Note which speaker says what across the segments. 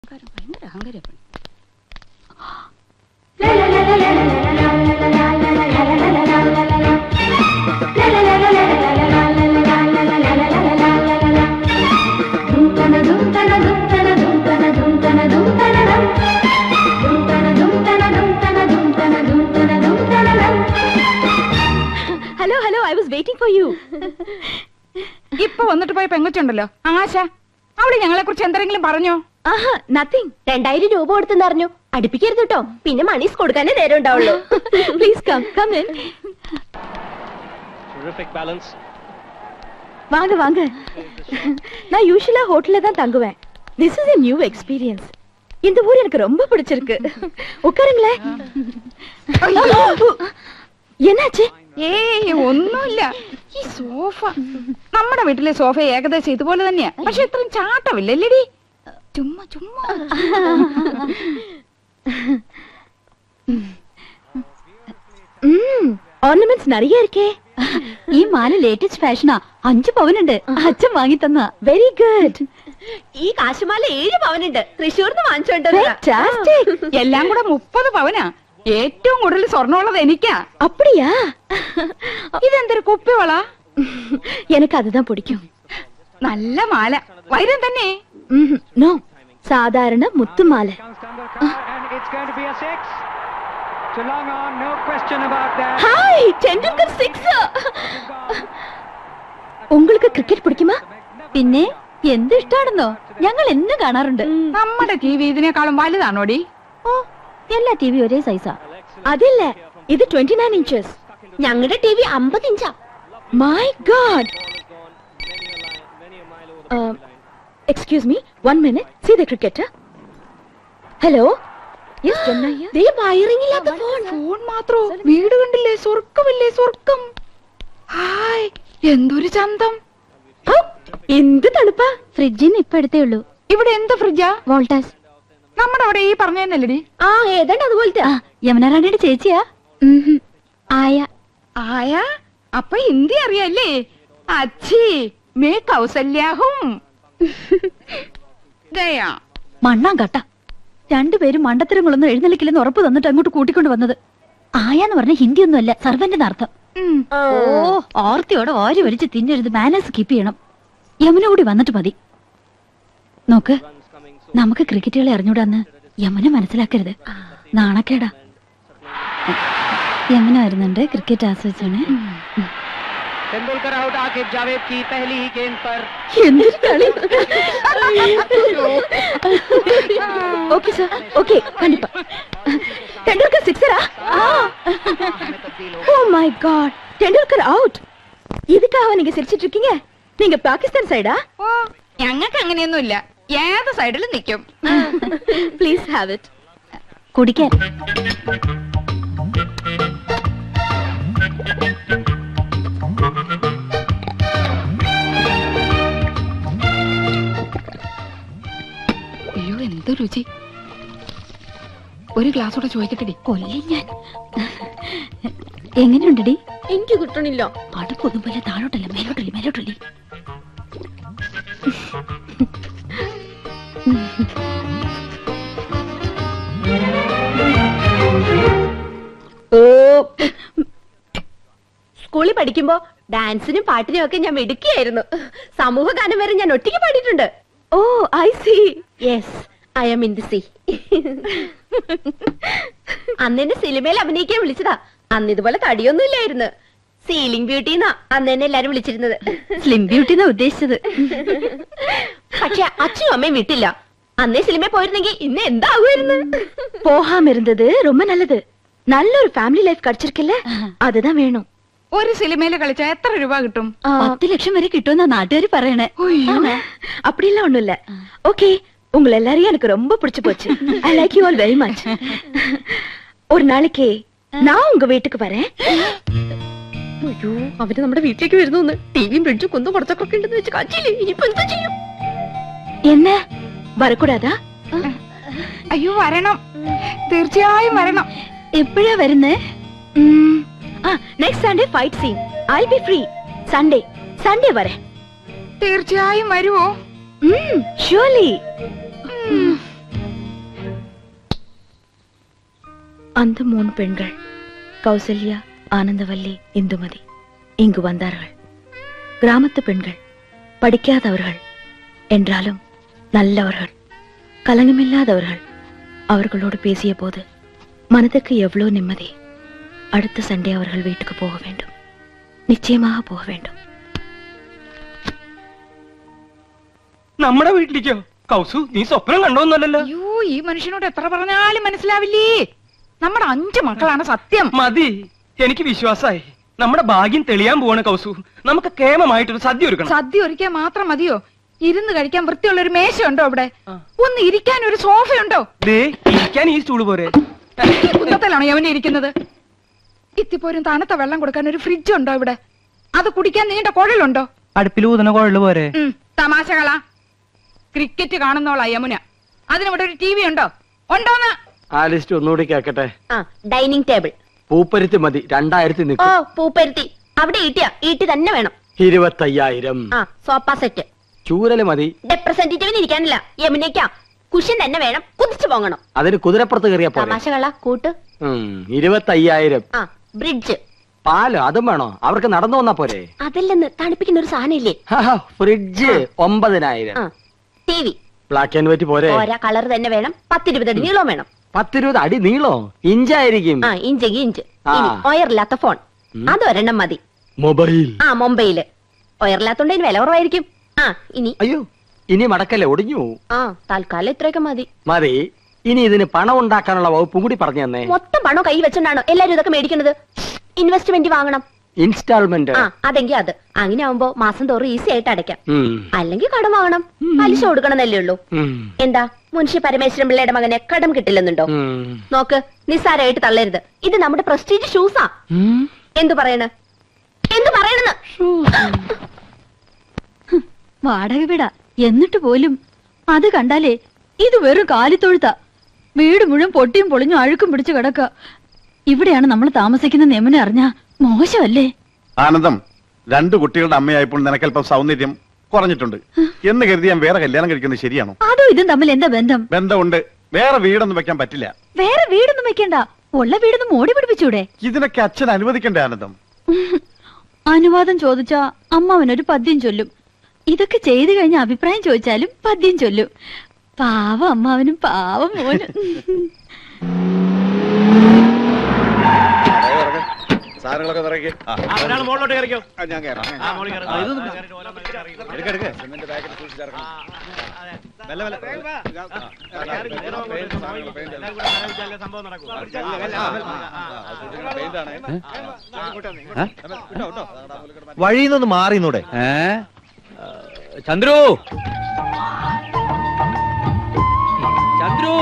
Speaker 1: Hello, hello, I was waiting for you.
Speaker 2: ഇപ്പൊ വന്നിട്ട് പോയ പെങ്കൊച്ചുണ്ടല്ലോ ആശ, അവള് ഞങ്ങളെ കുറിച്ച് എന്തെങ്കിലും പറഞ്ഞോ?
Speaker 1: ആഹാ, nothing. 2000 രൂപ കൊടുത്തെന്ന് അറിഞ്ഞു. അടുപ്പിക്കരുത് കേട്ടോ, പിന്നെ മണീസ് കൊടുക്കാനേ നേരം ഉണ്ടാവുള്ളൂ. Please come in.
Speaker 3: Terrific balance.
Speaker 1: வாங்க வாங்க. நான் யூசுவலா ஹோட்டல்ல தான் தங்குவேன். This is a new experience. இந்த ஊர் எனக்கு ரொம்ப பிடிச்சிருக்கு. உட்காருங்களே. എன்னாச்சு?
Speaker 2: ഏയ് ഒന്നുമില്ല. ഈ സോഫ നമ്മുടെ വീട്ടിലെ സോഫ ഏകദേശം ഇതുപോലെ തന്നെയാ, പക്ഷെ ഇത്രയും ചാട്ടമില്ലല്ലേടി. ചുമ്മാ ചുമ്മാ.
Speaker 1: ഓർണമെന്റ്സ് நிறைய இருக்கே. ഈ മാല ലേറ്റസ്റ്റ് ഫാഷനാ. 5 പവനുണ്ട്. അച്ഛൻ വാങ്ങി തന്ന. Very good. ഈ കാശുമാല 7 പവനുണ്ട്. തൃശ്ശൂർന്ന് വാങ്ങിച്ചോണ്ട്.
Speaker 2: എല്ലാം കൂടെ 30 പവനാ. ഏറ്റവും കൂടുതൽ സ്വർണ്ണമുള്ളത് എനിക്കാ.
Speaker 1: அப்படியா?
Speaker 2: ഇതെന്തൊരു കുപ്പിവള?
Speaker 1: எனக்கு அதுதான் பிடிக்கும்.
Speaker 2: നല്ല മാല, വൈരം തന്നെ.
Speaker 1: നോ, സാധാരണ മുത്തുമാല. ഹായ്, ടെണ്ടുൽക്കർ 6. உங்களுக்கு ക്രിക്കറ്റ് പിടിക്കുമോ? പിന്നെ എന്ത് ഇഷ്ടാണെന്നോ, ഞങ്ങൾ എന്നും കാണാറുണ്ട്.
Speaker 2: നമ്മുടെ ടിവി ഇതിനേക്കാളും വലുതാണോടി?
Speaker 1: ഓ, എല്ലാ ടിവി ഒരേ സൈസാ. അതില്ല, ഇത് 29 inches. ഞങ്ങളുടെ ടിവി 50 ഇഞ്ചാ. My god. Excuse me, 1 minute. See the cricketer. Hello. Yes, Chennai. ദേ വയറിംഗ് ഇല്ലാത്ത ഫോൺ
Speaker 2: മാത്രോ? വീട് കണ്ടില്ലേ? സ്വർഗ്ഗമില്ലേ സ്വർഗ്ഗം. ഹായ്, എന്തൊരു ചന്തം.
Speaker 1: എന്ത് തണുപ്പാ. ഫ്രിഡ്ജിന്ന് ഇപ്പൊ എടുത്തേ ഉള്ളൂ.
Speaker 2: ഇവിടെ എന്ത് ഫ്രിഡ്ജാ?
Speaker 1: വോൾട്ടാസ്.
Speaker 2: നമ്മുടെ അവിടെ ഈ പറഞ്ഞതല്ലടി.
Speaker 1: ആ, ഏതാണ്ട് അതുപോലത്തെ. യമുന റാണിയുടെ ചേച്ചിയാ. ആയ.
Speaker 2: ആയ? അപ്പൊ ഹിന്ദി അറിയാല്ലേ? അച്ഛി മേ കൗസല്യാഹും. ഗയാ.
Speaker 1: മണ്ണാൻ കട്ട. രണ്ടുപേരും മണ്ടത്തരങ്ങളൊന്നും എഴുന്നള്ളിക്കില്ലെന്ന് ഉറപ്പ് തന്നിട്ട് അങ്ങോട്ട് കൂട്ടിക്കൊണ്ട് വന്നത്. ആയാന്ന് പറഞ്ഞ ഹിന്ദി ഒന്നും അല്ല, സർവന്റെ അർത്ഥം. ഓ, ഓർത്തിയോടെ ഓരി വലിച്ച് തിന്നരുത്. മാനേഴ്സ് കീപ്പ് ചെയ്യണം. യമുന കൂടി വന്നിട്ട് മതി. നോക്ക്, നമുക്ക് ക്രിക്കറ്റുകളെ അറിഞ്ഞൂടാന്ന് യമുന മനസ്സിലാക്കരുത്. നാണക്കേടാ. യമുന വരുന്നുണ്ട്, ക്രിക്കറ്റ് ആസ്വദിച്ചാണ്.
Speaker 3: तेंदुलकर आउट, आकिब जावेद की पहली ही गेंद पर.
Speaker 1: എന്തൊരു കളി. ഓക്കേ സർ, ഓക്കേ, കണ്ടിപ്പാ. ടെണ്ടുൽക്കർ സിക്സറാ? Oh my god, Tendulkar out. இதுக்காக நீங்க சிரிச்சிட்டு இருக்கீங்க? நீங்க பாகிஸ்தான் சைடா?
Speaker 2: ഓ, ഞങ്ങൾക്ക് അങ്ങനെയൊന്നുമില്ല. ഏത് സൈഡിലും നിൽക്കും.
Speaker 1: Please have it. കുടിക്കാൻ.
Speaker 2: അയ്യോ, എന്ത് രുചി. ഒരു ഗ്ലാസ് കൂടെ ചോദിക്കട്ടെടി.
Speaker 1: കൊല്ലി ഞാൻ. എങ്ങനെയുണ്ടടി?
Speaker 4: എനിക്ക് കിട്ടണില്ല.
Speaker 1: അടുപ്പൊന്നും പോലെ താഴോട്ടല്ല, മേലോട്ടല്ലേ, മേലോട്ടല്ലേ.
Speaker 4: സ്കൂളിൽ പഠിക്കുമ്പോ ഡാൻസിനും പാട്ടിനും ഒക്കെ ഞാൻ മിടുക്കിയായിരുന്നു. സമൂഹ ഗാനം വരെ ഞാൻ ഒറ്റയ്ക്ക് പാടിയിട്ടുണ്ട്.
Speaker 1: Oh, I see.
Speaker 4: Yes, I am in the sea. അന്ന് എന്നെ സിനിമയിൽ അഭിനയിക്കാൻ വിളിച്ചതാ. അന്ന് ഇതുപോലെ തടിയൊന്നും ഇല്ലായിരുന്നു. സീലിംഗ് ബ്യൂട്ടി എന്നാ അന്ന് എന്നെ എല്ലാരും വിളിച്ചിരുന്നത്.
Speaker 1: സ്ലിം ബ്യൂട്ടി എന്നാ ഉദ്ദേശിച്ചത്.
Speaker 4: പക്ഷെ അച്ഛനും അമ്മയും വിട്ടില്ല. അന്നേ സിനിമയിൽ പോയിരുന്നെങ്കിൽ ഇന്ന് എന്താകുമായിരുന്നു.
Speaker 1: போகாம இருந்தது ரொம்ப நல்லது. நல்ல ஒரு ஃபேமிலி லைஃப் கிடைச்சிருக்குல்ல, அதுதான் வேணும்.
Speaker 2: ഒരു സിനിമയിൽ കളിച്ചാ എത്ര രൂപ കിട്ടും?
Speaker 1: 10 ലക്ഷം വരെ കിട്ടുമെന്നാ നാട്ടുകാർ പറയണേ.
Speaker 4: அப்படிலாம் ஒண்ணும் இல்ல. ஓகே, உங்களை எல்லாரையும் எனக்கு ரொம்ப பிடிச்சு போச்சு. I like you all very much. ஒரு நாளைக்கு நான் உங்க வீட்டுக்கு வரேன். അയ്യോ, അവര് നമ്മുടെ വീട്ടിലേക്ക് വരുന്നു. ടിവിയും ഫ്രിഡ്ജും കുന്നും കുറച്ചൊക്കെ ഉണ്ടെന്ന് വെച്ച് കാച്ചില്ലേ. ഇനിയിപ്പോ എന്താ ചെയ്യും?
Speaker 1: என்ன வரக்கூடாதா?
Speaker 2: അയ്യോ, വരണം, തീർച്ചയായും വരണം.
Speaker 1: എപ്പോഴാ വരുന്നേ?
Speaker 4: Next Sunday fight scene. I be free. Sunday വരെ.
Speaker 2: തീർച്ചയായും വരുവോ?
Speaker 4: ഷുവർലി. அந்த 3 பெண்கள் கௌசல்யா, ஆனந்தவல்லி, இந்துமதி இங்கு வந்தார்கள். கிராமத்து பெண்கள், படிக்காதவர்கள் என்றாலும் நல்லவர்கள், கலங்கமில்லாதவர்கள். அவர்களோடு பேசிய போது மனதுக்கு எவ்வளவு நிம்மதி. அடுத்த சண்டே அவர்கள் வீட்டுக்கு போக வேண்டும், நிச்சயமாக போக வேண்டும்.
Speaker 5: നമ്മുടെ വീട്ടിലേക്കോ? കൗസു, നീ സ്വപ്നം കണ്ടോന്നല്ലോ.
Speaker 2: അയ്യോ, ഈ മനുഷ്യനോട് എത്ര പറഞ്ഞാലും മനസ്സിലാവില്ലേ. നമ്മുടെ 5 മക്കളാണ് സത്യം.
Speaker 5: മതി, എനിക്ക് വിശ്വാസായി. നമ്മുടെ ഭാഗ്യം തെളിയാൻ പോവാണ് കൗസു. നമുക്ക് കേമമായിട്ടൊരു സദ്യ ഒരുക്കണം.
Speaker 2: സദ്യ ഒരുക്കാൻ മാത്രം മതിയോ? ഇരുന്ന് കഴിക്കാൻ വൃത്തിയുള്ള ഒരു മേശയുണ്ടോ അവിടെ? ഒന്ന് ഇരിക്കാൻ ഒരു സോഫയുണ്ടോ?
Speaker 5: ദേ, ഇരിക്കാൻ ഈ സ്റ്റൂള് പോരെ?
Speaker 2: ഈ കുന്തത്തിലാണോ യവനെ ഇരിക്കുന്നത്? ഇത്തിപ്പോരും തണുത്ത വെള്ളം കൊടുക്കാൻ ഒരു ഫ്രിഡ്ജ് ഉണ്ടോ ഇവിടെ? അത് കുടിക്കാൻ നീണ്ട കുഴലുണ്ടോ?
Speaker 5: അടുപ്പിൽ ഊതുന്ന കുഴല് പോരെ?
Speaker 2: തമാശകളാ. ക്രിക്കറ്റ് കാണുന്നോളാ യമുന. അതിനിവിടെ ഒരു TV ഉണ്ടോ? ഉണ്ടോന്ന്?
Speaker 6: ആ ലിസ്റ്റ് ഒന്നുകൂടി കേക്കട്ടെ.
Speaker 4: Dining table.
Speaker 6: പൂപ്പരുത്തി മതി, 2000
Speaker 4: ഓ,
Speaker 6: നിൽക്കും.
Speaker 4: പൂപ്പരുത്തി. അവിടെ ഈട്ടി തന്നെ വേണം.
Speaker 6: 25,000.
Speaker 4: Sofa set.
Speaker 6: ചൂരല് മതി.
Speaker 4: റെപ്രസെന്റേറ്റീവിന് ഇരിക്കാനില്ല, യമുനയ്ക്കാ. കുഷൻ തന്നെ വേണം, കുതിച്ചു പോകണം.
Speaker 6: അതിന് കുതിരപ്പുറത്ത് കയറിയാ പോലെ.
Speaker 4: തമാശകളാ കൂട്ട്.
Speaker 6: 25,000.
Speaker 4: ബ്രിഡ്ജ്.
Speaker 6: പാല് അതും വേണോ? അവർക്ക് നടന്നു വന്നാ പോരെ?
Speaker 4: അതല്ലെന്ന്, തണുപ്പിക്കുന്ന ഒരു സാധനം ഇല്ലേ?
Speaker 6: Fridge 9,000.
Speaker 4: TV.
Speaker 6: Black and white പോരെ?
Speaker 4: ഓരോ കളർ തന്നെ വേണം. 10-20 അടി നീളം വേണം.
Speaker 6: 10-20 അടി നീളോ? ഇഞ്ചായിരിക്കും.
Speaker 4: ഇഞ്ചെങ്കി ഇഞ്ച്. ഒയറില്ലാത്ത ഫോൺ അതൊരെണ്ണം മതി.
Speaker 6: മൊബൈൽ.
Speaker 4: മൊബൈല്. ഒയറില്ലാത്തോണ്ട് വില കുറവായിരിക്കും. ഇനി
Speaker 6: അയ്യോ, ഇനി മടക്കല്ലേ, ഒടിഞ്ഞു.
Speaker 4: തൽക്കാലം ഇത്രയൊക്കെ മതി.
Speaker 6: മതി. ഇനി ഇതിന് പണം ഉണ്ടാക്കാനുള്ള വകുപ്പും കൂടി പറഞ്ഞു തന്നെ.
Speaker 4: മൊത്തം പണം കൈ വെച്ചോണ്ടാണോ എല്ലാരും ഇതൊക്കെ മേടിക്കുന്നത്? ഇൻവെസ്റ്റ്മെന്റ് വാങ്ങണം.
Speaker 6: ഇൻസ്റ്റാൾമെന്റ്.
Speaker 4: അതെങ്കിൽ അത്. അങ്ങനെ ആവുമ്പോ മാസം തോറും ഈസി ആയിട്ട് അടയ്ക്കാം. അല്ലെങ്കിൽ കടം വാങ്ങണം, പലിശ കൊടുക്കണമെന്നല്ലേ ഉള്ളൂ. എന്താ മുൻഷി പരമേശ്വരൻ പിള്ളയുടെ മകനെ കടം കിട്ടില്ലെന്നുണ്ടോ? നോക്ക്, നിസ്സാരമായിട്ട് തള്ളരുത്. ഇത് നമ്മുടെ പ്രസ്റ്റീജ് ഷൂസാ. എന്തു പറയണെന്ന്
Speaker 1: വാടക വീടാ എന്നിട്ട് പോലും അത് കണ്ടാലേ ഇത് വെറും കാലിത്തൊഴുത്ത. വീട് മുഴുവൻ പൊട്ടിയും പൊളിഞ്ഞും അഴുക്കും പിടിച്ചു കിടക്ക. ഇവിടെയാണ് നമ്മൾ താമസിക്കുന്ന യമുന അറിഞ്ഞാ മോശമല്ലേ?
Speaker 7: ആനന്ദം, 2 കുട്ടികളുടെ അമ്മയായപ്പോൾ നിനക്കല്പം സൗന്ദര്യം കുറഞ്ഞിട്ടുണ്ട് എന്ന് കരുതി ഞാൻ വേറെ കല്യാണം കഴിക്കുന്നത് ശരിയാണോ?
Speaker 1: അതോ ഇതും തമ്മിൽ എന്താ ബന്ധം?
Speaker 7: ബന്ധമുണ്ട്. വേറെ വീടൊന്നും വെക്കാൻ പറ്റില്ല.
Speaker 1: വേറെ വീടൊന്നും വെക്കണ്ട, ഉള്ള വീടൊന്നും മോടി പിടിപ്പിച്ചൂടെ?
Speaker 7: ഇതിനൊക്കെ അച്ഛൻ അനുവദിക്കണ്ടേ ആനന്ദം?
Speaker 1: അനുവാദം ചോദിച്ചാ അമ്മാവനൊരു പദ്യം ചൊല്ലും. ഇതൊക്കെ ചെയ്തു കഴിഞ്ഞ അഭിപ്രായം ചോദിച്ചാലും പദ്യം ചൊല്ലും. പാവം അമ്മാവനും പാവം മോനും.
Speaker 7: സാധനങ്ങളൊക്കെ നിറയ്ക്ക്.
Speaker 3: മുകളിലോട്ട് കയറിക്കോ.
Speaker 7: ഞാൻ കയറാം.
Speaker 8: വഴിന്നൊന്ന് മാറിന്നൂടെ?
Speaker 5: ചന്ദ്രു, ചന്ദ്രു,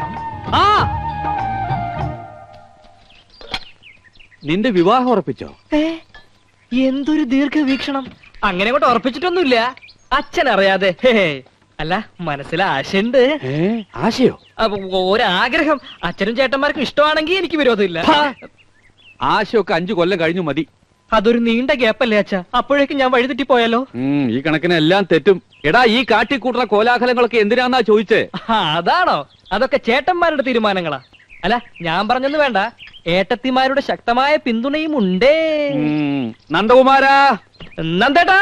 Speaker 8: നിന്റെ വിവാഹം ഉറപ്പിച്ചോ?
Speaker 5: എന്തൊരു ദീർഘവീക്ഷണം. അങ്ങനെ കൊണ്ട് ഉറപ്പിച്ചിട്ടൊന്നുമില്ല, അച്ഛൻ അറിയാതെ. അല്ല, മനസ്സിൽ ആശയുണ്ട്.
Speaker 8: ആശയോ?
Speaker 5: ഒരാഗ്രഹം. അച്ഛനും ചേട്ടന്മാർക്കും ഇഷ്ടമാണെങ്കിൽ എനിക്ക് വിരോധമില്ല.
Speaker 8: ആശയൊക്കെ 5 കൊല്ലം കഴിഞ്ഞു മതി.
Speaker 5: അതൊരു നീണ്ട ഗ്യാപ്പല്ലേ അച്ഛാ? അപ്പോഴേക്കും ഞാൻ വഴിതെറ്റി പോയാലോ?
Speaker 8: ഈ കണക്കിന് എല്ലാം തെറ്റും. എടാ, ഈ കാട്ടിക്കൂട്ടുന്ന കോലാഹലങ്ങളൊക്കെ എന്തിനാന്നാ ചോദിച്ചേ?
Speaker 5: അതാണോ? അതൊക്കെ ചേട്ടന്മാരുടെ തീരുമാനങ്ങളാ. അല്ല, ഞാൻ പറഞ്ഞൊന്നും വേണ്ട, ഏട്ടത്തിമാരുടെ ശക്തമായ പിന്തുണയും ഉണ്ടേ.
Speaker 8: നന്ദകുമാരാ,
Speaker 5: നന്ദേട്ടാ,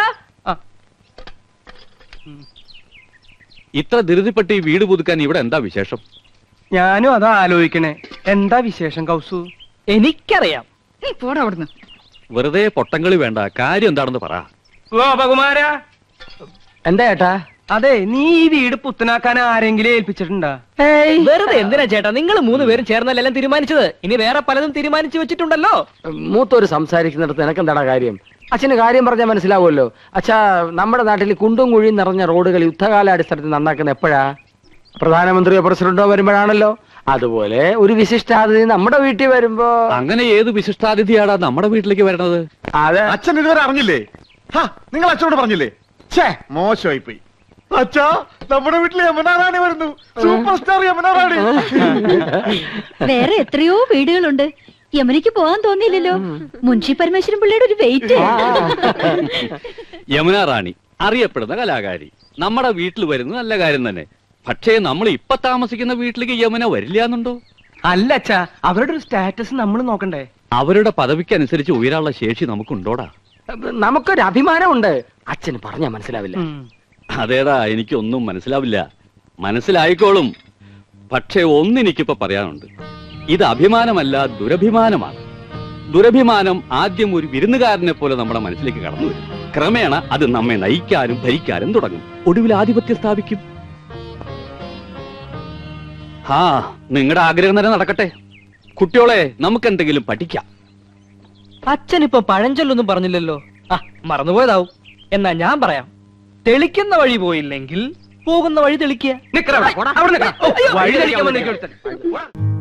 Speaker 8: ഇത്ര ധൃതിപ്പെട്ട് ഈ വീട് പുതുക്കാൻ ഇവിടെ എന്താ വിശേഷം?
Speaker 5: ഞാനും അതാ ആലോചിക്കണേ. എന്താ വിശേഷം കൗസു? എനിക്കറിയാം.
Speaker 2: നീ പോടാ അവിടുന്ന്.
Speaker 8: വെറുതെ പൊട്ടങ്കളി വേണ്ട, കാര്യം എന്താണെന്ന് പറ.
Speaker 5: ഗോപകുമാരാ,
Speaker 6: എന്താ ഏട്ടാ?
Speaker 5: അതെ, നീ ഈ വീട് പുത്തനാക്കാൻ ആരെങ്കിലും ഏൽപ്പിച്ചിട്ടുണ്ടാ? വെറുതെ എന്തിനാ ചേട്ടാ, നിങ്ങൾ 3 പേരും ചേർന്നല്ലെല്ലാം തീരുമാനിച്ചത്. ഇനി വേറെ പലതും തീരുമാനിച്ചു വെച്ചിട്ടുണ്ടല്ലോ.
Speaker 6: മൂത്തോര് സംസാരിക്കുന്നിടത്ത് എനക്കെന്താടാ കാര്യം? അച്ഛന് കാര്യം പറഞ്ഞാൽ മനസ്സിലാവുമല്ലോ. അച്ഛാ, നമ്മുടെ നാട്ടിൽ കുണ്ടും കുഴിയും നിറഞ്ഞ റോഡുകൾ യുദ്ധകാലാടിസ്ഥാനത്തിൽ നന്നാക്കുന്ന എപ്പോഴാ? പ്രധാനമന്ത്രിയോ പ്രസിഡന്റോ വരുമ്പോഴാണല്ലോ. അതുപോലെ ഒരു വിശിഷ്ടാതിഥി നമ്മുടെ വീട്ടിൽ വരുമ്പോ.
Speaker 8: അങ്ങനെ ഏത് വിശിഷ്ടാതിഥിയാടാ നമ്മുടെ വീട്ടിലേക്ക് വരണത്?
Speaker 6: അതെ,
Speaker 7: അച്ഛൻ ഇതുവരെ അറിഞ്ഞില്ലേ? നിങ്ങൾ അച്ഛനോട് പറഞ്ഞില്ലേ? മോശമായി പോയി. അച്ഛാ, നമ്മുടെ വീട്ടിൽ യമുന റാണി വരുന്നു. Super star Yamuna Rani.
Speaker 1: വേറെ എത്രയോ വീടുകളുണ്ട്. യമുനയ്ക്ക് പോകാൻ തോന്നിയില്ലല്ലോ. മുൻഷി പരമേശ്വരൻ പിള്ളയുടെ ഒരു വെയിറ്റ്.
Speaker 8: യമുന റാണി അറിയപ്പെടുന്ന കലാകാരി നമ്മുടെ വീട്ടിൽ വരുന്നത് നല്ല കാര്യം തന്നെ. പക്ഷേ നമ്മൾ ഇപ്പൊ താമസിക്കുന്ന വീട്ടിലേക്ക് യമുന വരില്ല എന്നുണ്ടോ?
Speaker 5: അല്ല അച്ഛാ, അവരുടെ ഒരു സ്റ്റാറ്റസ് നമ്മൾ നോക്കണ്ടേ?
Speaker 8: അവരുടെ പദവിക്കനുസരിച്ച് ഉയരാനുള്ള ശേഷി നമുക്കുണ്ടോടാ?
Speaker 6: നമുക്കൊരു അഭിമാനമുണ്ട്. അച്ഛന് പറഞ്ഞാ മനസ്സിലാവില്ല.
Speaker 8: അതേടാ, എനിക്കൊന്നും മനസ്സിലാവില്ല. മനസ്സിലായിക്കോളും. പക്ഷേ ഒന്നെനിക്കിപ്പോ പറയാനുണ്ട്. ഇത് അഭിമാനമല്ല, ദുരഭിമാനമാണ്. ദുരഭിമാനം ആദ്യം ഒരു വിരുന്നുകാരനെ പോലെ നമ്മുടെ മനസ്സിലേക്ക് കടന്നു വരും. ക്രമേണ അത് നമ്മെ നയിക്കാനും ഭരിക്കാനും തുടങ്ങും. ഒടുവിൽ ആധിപത്യം സ്ഥാപിക്കും. നിങ്ങളുടെ ആഗ്രഹം തന്നെ നടക്കട്ടെ. കുട്ടിയോളെ, നമുക്ക് എന്തെങ്കിലും പഠിക്കാം.
Speaker 5: അച്ഛൻ ഇപ്പൊ പഴഞ്ചൊല്ലൊന്നും പറഞ്ഞില്ലല്ലോ. മറന്നുപോയതാവും. എന്നാ ഞാൻ പറയാം. തെളിക്കുന്ന വഴി പോയില്ലെങ്കിൽ പോകുന്ന വഴി തെളിക്കുക. വഴി തെളിക്കാൻ